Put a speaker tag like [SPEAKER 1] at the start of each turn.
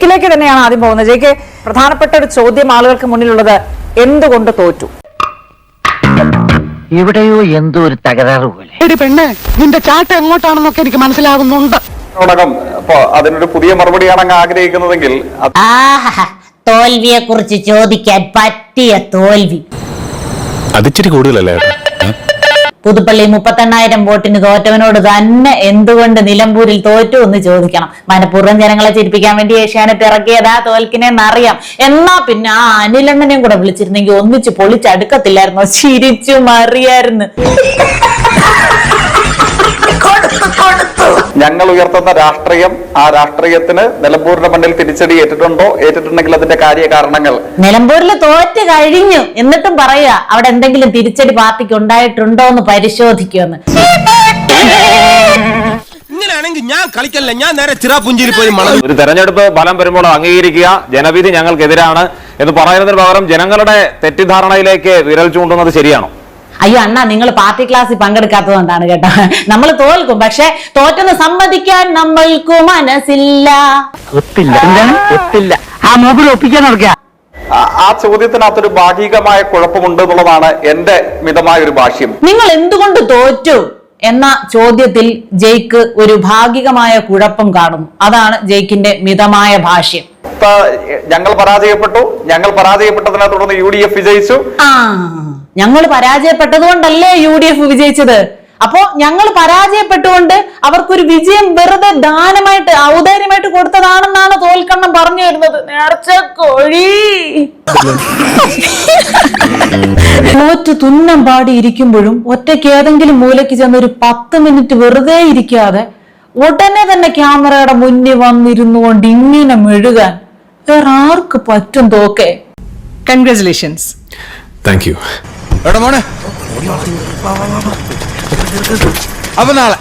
[SPEAKER 1] ിലേക്ക് തന്നെയാണ് ആദ്യം പോകുന്നത്. ജെയ്ക്ക് പ്രധാനപ്പെട്ട ഒരു ചോദ്യം ആളുകൾക്ക് മുന്നിലുള്ളത്, എന്തുകൊണ്ട് തോറ്റു?
[SPEAKER 2] എവിടെയോ എന്തോ ഒരു തകരാറ് പോലെ.
[SPEAKER 3] പെണ്ണെ, നിന്റെ ചാട്ട എങ്ങോട്ടാണെന്നൊക്കെ എനിക്ക് മനസ്സിലാകുന്നുണ്ട്.
[SPEAKER 4] അതിനൊരു പുതിയ മറുപടിയാണ് അങ്ങ് ആഗ്രഹിക്കുന്നതെങ്കിൽ
[SPEAKER 5] തോൽവിയെ കുറിച്ച് ചോദിക്കാൻ പറ്റിയ തോൽവി.
[SPEAKER 6] അതിച്ചിരി കൂടുതലല്ലേ?
[SPEAKER 5] പുതുപ്പള്ളി 38,000 വോട്ടിന് തോറ്റവനോട് തന്നെ എന്തുകൊണ്ട് നിലമ്പൂരിൽ തോറ്റു എന്ന് ചോദിക്കണം. മനഃപൂർവ്വം ജനങ്ങളെ ചിരിപ്പിക്കാൻ വേണ്ടി ഏഷ്യാനെറ്റ് ഇറക്കിയതാ തോൽക്കിനെന്നറിയാം. എന്നാ പിന്നെ ആ അനിലണ്ണനെയും കൂടെ വിളിച്ചിരുന്നെങ്കിൽ ഒന്നിച്ച് പൊളിച്ചടുക്കത്തില്ലായിരുന്നോ? ചിരിച്ചു മറിയായിരുന്നു.
[SPEAKER 4] ഞങ്ങൾ ഉയർത്തുന്ന രാഷ്ട്രീയം, ആ രാഷ്ട്രീയത്തിന് നിലമ്പൂരിന്റെ മണ്ണിൽ തിരിച്ചടി ഏറ്റിട്ടുണ്ടോ? ഏറ്റിട്ടുണ്ടെങ്കിൽ അതിന്റെ കാര്യകാരണങ്ങൾ.
[SPEAKER 5] നിലമ്പൂരിൽ തോറ്റ് കഴിഞ്ഞു എന്നിട്ടും പറയാ അവിടെ എന്തെങ്കിലും തിരിച്ചടി പാർട്ടിക്ക് ഉണ്ടായിട്ടുണ്ടോ എന്ന് പരിശോധിക്കുമെന്ന്.
[SPEAKER 7] ഇങ്ങനെയാണെങ്കിൽ ഞാൻ കളിക്കല്ല, ഞാൻ നേരെ ചിറാപുഞ്ചിയിൽ പോയി
[SPEAKER 8] ഒരു തെരഞ്ഞെടുപ്പ് ഫലം വരുമ്പോൾ അംഗീകരിക്കുക, ജനവിധി ഞങ്ങൾക്കെതിരാണ് എന്ന് പറയുന്നതിന് പകരം ജനങ്ങളുടെ തെറ്റിദ്ധാരണയിലേക്ക് വിരൽ ചൂണ്ടുന്നത് ശരിയാണോ?
[SPEAKER 5] അയ്യോ അണ്ണാ, നിങ്ങൾ പാർട്ടി ക്ലാസ്സിൽ പങ്കെടുക്കാത്തതുകൊണ്ടാണ് കേട്ടോ. നമ്മൾ തോൽക്കും, പക്ഷെ തോറ്റെന്ന് സമ്മതിക്കാൻ നമ്മൾക്ക് മനസ്സില്ല.
[SPEAKER 2] ഒത്തില്ല ആ മൂപ്പിൽ ഒപ്പിക്കാൻ നടക്കുക.
[SPEAKER 4] ആ ചോദ്യത്തിനകത്തൊരു ഭാഗികമായ കുഴപ്പമുണ്ട് എന്നുള്ളതാണ് എന്റെ മിതമായ ഒരു ഭാഷ്യം.
[SPEAKER 5] നിങ്ങൾ എന്തുകൊണ്ട് തോറ്റു എന്ന ചോദ്യത്തിൽ ജെയ്ക്ക് ഒരു ഭാഗികമായ കുഴപ്പം കാണുന്നു. അതാണ് ജെയ്ക്കിന്റെ മിതമായ ഭാഷ്യം.
[SPEAKER 4] ഞങ്ങൾ പരാജയപ്പെട്ടതിനെ തുടർന്ന് UDF വിജയിച്ചു.
[SPEAKER 5] ഞങ്ങൾ പരാജയപ്പെട്ടതുകൊണ്ടല്ലേ UDF വിജയിച്ചത്. അപ്പോ ഞങ്ങൾ പരാജയപ്പെട്ടുകൊണ്ട് അവർക്കൊരു വിജയം വെറുതെ ദാനമായിട്ട് ഔദാര്യമായിട്ട് കൊടുത്തതാണെന്നാണ് തോൽക്കണ്ണം പറഞ്ഞു വരുന്നത്. നേർച്ച കോഴി. തോറ്റ് തുന്നം പാടി ഇരിക്കുമ്പോഴും ഒറ്റയ്ക്ക് ഏതെങ്കിലും മൂലയ്ക്ക് ചെന്ന് ഒരു 10 മിനിറ്റ് വെറുതെ ഇരിക്കാതെ ഉടനെ തന്നെ ക്യാമറയുടെ മുന്നിൽ വന്നിരുന്നുകൊണ്ട് ഇങ്ങനെ മെഴുകാൻ വേറെ ആർക്ക് പറ്റും? തോക്കെ
[SPEAKER 3] കൺഗ്രാറ്റുലേഷൻസ്.
[SPEAKER 6] Thank you.
[SPEAKER 7] മോനെ, അപ്പൊ നാളെ